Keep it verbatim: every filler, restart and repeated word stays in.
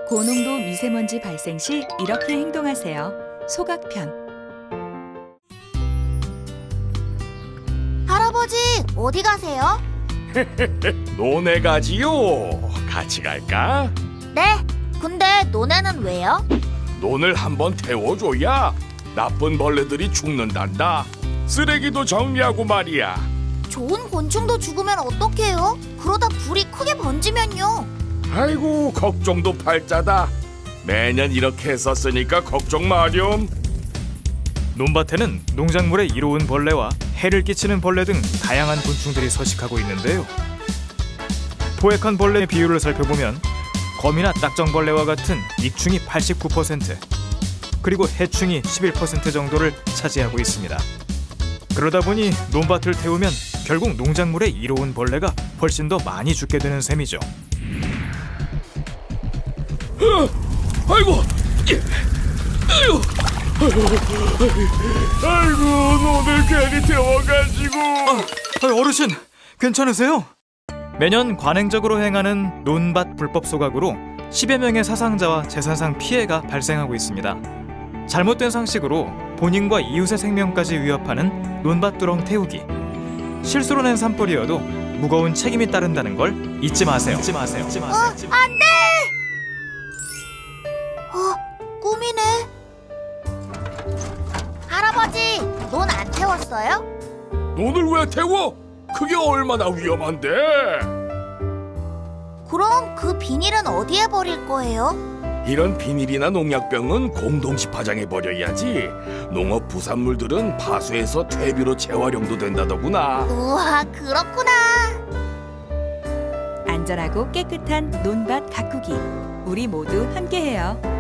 고농도 미세먼지 발생 시 이렇게 행동하세요. 소각편. 할아버지, 어디 가세요? 논에 가지요. 같이 갈까? 네, 근데 논에는 왜요? 논을 한번 태워줘야 나쁜 벌레들이 죽는단다. 쓰레기도 정리하고 말이야. 좋은 곤충도 죽으면 어떡해요? 그러다 불이 크게 번지면요. 아이고, 걱정도 팔자다. 매년 이렇게 했었으니까 걱정 마렴. 논밭에는 농작물에 이로운 벌레와 해를 끼치는 벌레 등 다양한 곤충들이 서식하고 있는데요. 포획한 벌레의 비율을 살펴보면 거미나 딱정벌레와 같은 익충이 팔십구 퍼센트, 그리고 해충이 십일 퍼센트 정도를 차지하고 있습니다. 그러다 보니 논밭을 태우면 결국 농작물에 이로운 벌레가 훨씬 더 많이 죽게 되는 셈이죠. 아이고, 예. 아이고, 아이고, 논을 괜히 태워가지고. 아, 어르신, 괜찮으세요? 매년 관행적으로 행하는 논밭 불법 소각으로 십여 명의 사상자와 재산상 피해가 발생하고 있습니다. 잘못된 상식으로 본인과 이웃의 생명까지 위협하는 논밭 두렁 태우기. 실수로 낸 산불이어도 무거운 책임이 따른다는 걸 잊지 마세요. 잊지 마세요. 잊지 마세요. 어, 안 돼! 어, 꿈이네. 할아버지, 논 안 태웠어요? 논을 왜 태워? 그게 얼마나 위험한데? 그럼 그 비닐은 어디에 버릴 거예요? 이런 비닐이나 농약병은 공동시 파장해 버려야지. 농업 부산물들은 파수해서 퇴비로 재활용도 된다더구나. 우와, 그렇구나. 안전하고 깨끗한 논밭 가꾸기. 우리 모두 함께해요.